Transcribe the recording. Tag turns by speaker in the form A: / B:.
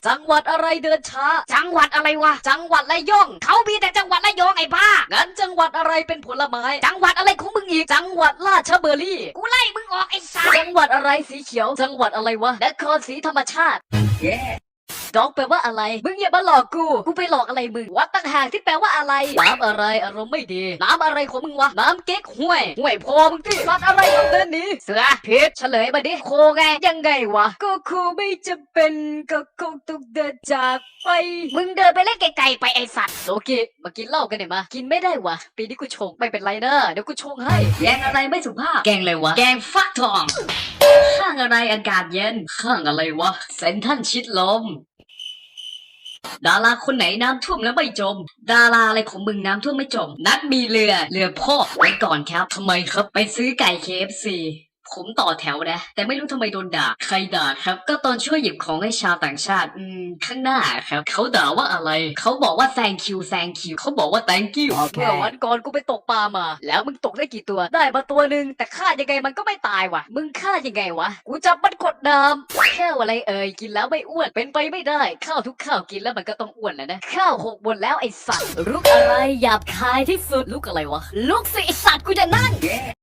A: จังหวัดอะไรเดินช้าจังหวัดอะไรวะจังหวัดระยองเขามีแต่จังหวัดระยองไอ้บ้างั้นจังหวัดอะไรเป็นผลไม้จังหวัดอะไรของมึงอีกจังหวัดราชบุรีกูไล่มึงออกไอ้สัสจังหวัดอะไรสีเขียวจังหวัดอะไรวะนครศรีธรรมชาติดอกแปลว่าอะไรมึงอย่ามาหลอกกูไปหลอกอะไรมึงวัดตั้งห่างที่แปลว่าอะไรน้ำอะไรอารมณ์ไม่ดีน้ำอะไรของมึงวะน้ำเก๊กห้วยพอมึงที่สัตว์อะไรต้องเดินหนีเสือผิดเฉลยมาดิโคไงยังไงวะก็โคไม่จะเป็นก็คงต้องเดินจากไปมึงเดินไปเล่นไกลๆไปไอสัตว์โอเคมากินเหล้ากันหน่อยมากินไม่ได้วะปีนี้กูชงไม่เป็นไรนะเดี๋ยวกูชงให้แกงอะไรไม่สุภาพแกงอะไรวะแกงฟักทองข้างอะไรอากาศเย็นข้างอะไรวะเซนทรัลชิดลมดาราคนไหนน้ำท่วมแล้วไม่จมดาราอะไรของมึงน้ำท่วมไม่จมนัดมีเรือพ่อไว้ก่อนครับทำไมครับไปซื้อไก่ KFC ผมต่อแถวนะแต่ไม่รู้ทำไมโดนด่าใครด่าครับก็ตอนช่วยหยิบของให้ชาวต่างชาติข้างหน้าครับเขาด่าว่าอะไรเขาบอกว่า thank you เขาบอกว่า thank you เมื่อวันก่อนกูไปตกปลามาแล้วมึงตกได้กี่ตัวได้มาตัวหนึ่งแต่ฆ่ายังไงมันก็ไม่ตายว่ะมึงฆ่ายังไงวะกูจับมันกดน้ำข้าวอะไรกินแล้วไม่อ้วนเป็นไปไม่ได้ข้าวทุกข้าวกินแล้วมันก็ต้องอ้วนแหละนะข้าว6 บนแล้วไอสัตว์ลุกอะไรหยาบคายที่สุดลุกอะไรวะลุกสิไอสัตว์กูจะนั่ง